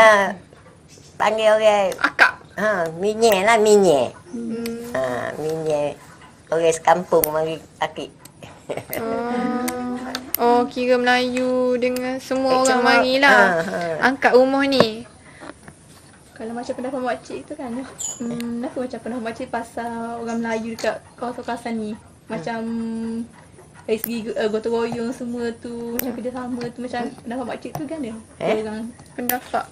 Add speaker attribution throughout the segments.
Speaker 1: Dia panggil orang
Speaker 2: Akak.
Speaker 1: minyak lah minyak. Minyak. Orang sekampung mari akik.
Speaker 2: Oh, kira Melayu dengan semua orang marilah. Angkat rumah ni. Kalau macam pendapat makcik tu kan, kenapa macam pendapat makcik pasal orang Melayu dekat kawasan-kawasan ni? Macam dari segi gotong royong semua tu, macam kerjasama tu, macam pendapat makcik tu kan dia? Orang pendapat.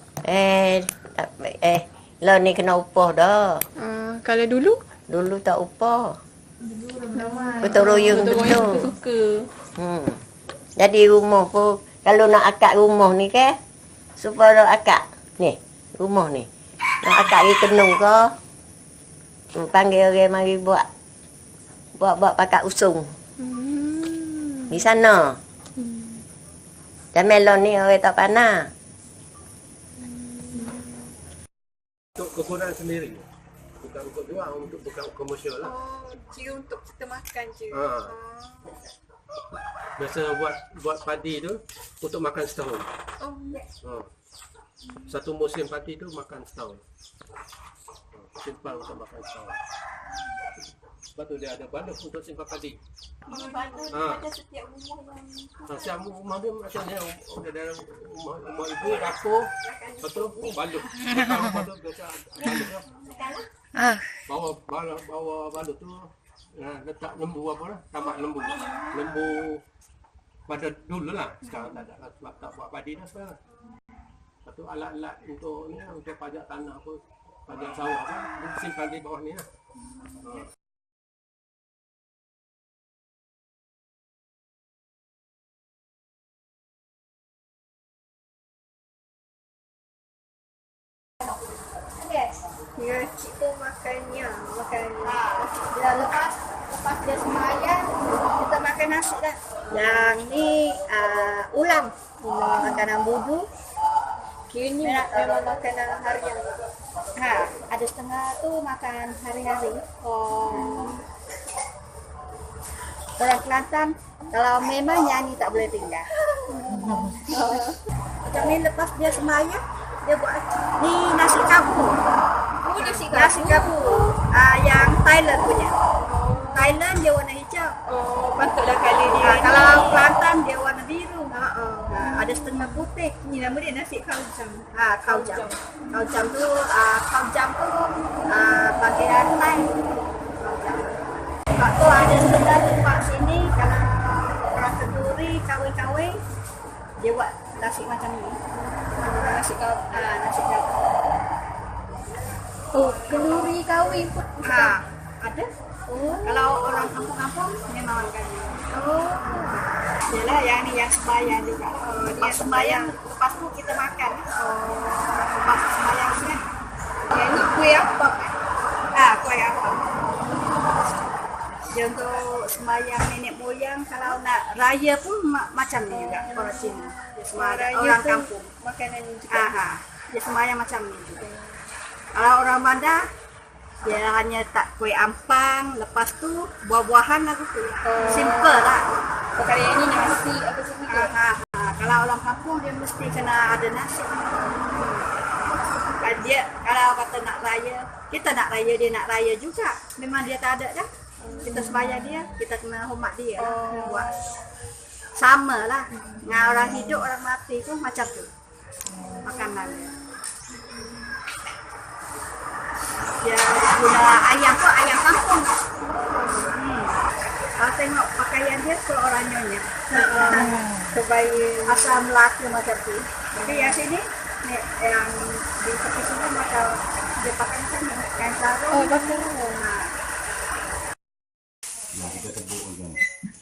Speaker 1: Lah ni kena upah dah.
Speaker 2: Kalau dulu?
Speaker 1: Dulu tak upah. Gotong royong betul.
Speaker 2: Suka.
Speaker 1: Jadi rumah pun, kalau nak akak rumah ni kan, supaya akak ni, rumah ni. Nak akak pergi kenung ke, panggil orang mari buat pakat usung. Di sana. Dan melon ni orang tak pandai.
Speaker 3: Untuk kebunaan sendiri. Bukan untuk jual, bukan komersial lah.
Speaker 2: Kira untuk kita makan je.
Speaker 3: Biasa buat padi tu untuk makan setahun. Satu musim padi tu makan setahun. Simpan untuk makan setahun. Sebab tu dia ada balok untuk simpan padi.
Speaker 2: Ada setiap rumah yang
Speaker 3: Setiap rumah dia macam ni, dalam rumah ibu, dapur, betul, balok. Lepas tu biasa balok lah. Bawa balok tu, letak lembu apa lah, tambah lembu. Lembu pada dulu lah, sekarang tak ada sebab tak buat padi dah sekarang. Lepas tu alat-alat untuk ni, untuk pajak tanah apa, pajak sawah apa, dia simpan di bawah ni lah.
Speaker 2: Ya, cik tu makannya, dah lepas dia semayang, kita makan nasi dah. Yang ni ulam, makanan bubu. Kiranya memang makanan harian. Ada setengah tu makan hari-hari. Orang Kelantan, kalau memang nyanyi tak boleh tinggal. Macam ni lepas dia semayang, dia buat ni nasi kabu. Nasi kabu yang Thailand punya. Thailand dia warna hijau. Patutlah kali dia. Kalau Kelantan dia warna biru. Ada setengah putih. Ni nama dia nasi kaujam. Kaujam. Kaujam tu bagian Thai. Sebab tu ada setengah tempat sini kalau orang kenduri kahwin-kahwin dia buat nasi macam ni. Nasi kabu. Nasi kabu. Kenduri kahwin pun ada. Kalau orang kampung-kampung memang makan. Yalah yang ni yang sembahyang juga. Dia sembahyang lepas tu kita makan. Lepas sembahyang ni. Yang ni kuih apa kan? Kuih apa. Dia untuk sembahyang nenek moyang kalau nak raya pun macam ni juga orang Cina. Dia sembahyang orang kampung. Makanan ni juga. Dia sembahyang macam ni juga. Kalau orang Bandar, dia hanya tak kuih ampang, lepas tu buah-buahan lah tu. Simple lah. Kali ini nasi apa semua. Kalau orang kampung dia mesti kena ada nasi. Dia kalau kata nak raya, kita nak raya, dia nak raya juga. Memang dia tak ada dah. Kita sembahyang dia, kita kena hormat dia. Buat sama lah. Dengan orang hidup, orang mati pun macam tu. Makanan dia. Dia guna ayam tu, ayam kampung. Kalau tengok pakaian dia, kalau orang nyonya. Terbaik asal Melaka macam tu. Tapi yang sini, yang di tepi sini macam dia pakai macam ni. Kain sarung. Pakai.
Speaker 4: Yang kita tebuk kan.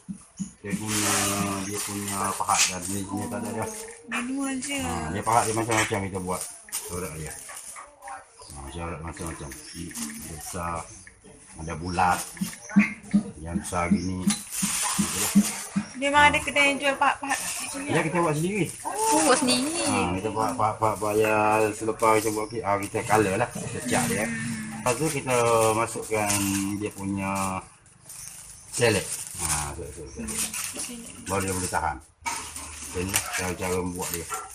Speaker 4: Dia punya pahat dan ni tak ada dah.
Speaker 2: Manual je.
Speaker 4: Dia pahat dia macam-macam kita buat. Corak dia. Corak macam-macam. Besar, ada bulat. Yang besar gini. Itulah.
Speaker 2: Memang ada kedai yang jual pahat-pahat.
Speaker 4: Ya kita buat sendiri.
Speaker 2: Buat sendiri.
Speaker 4: Kita buat pahat-pahat ya selepas kita buat kita color lah. Kita cat dia. Lepas tu kita masukkan dia punya selek. Baru dia boleh tahan. Ini cara-cara membuat dia.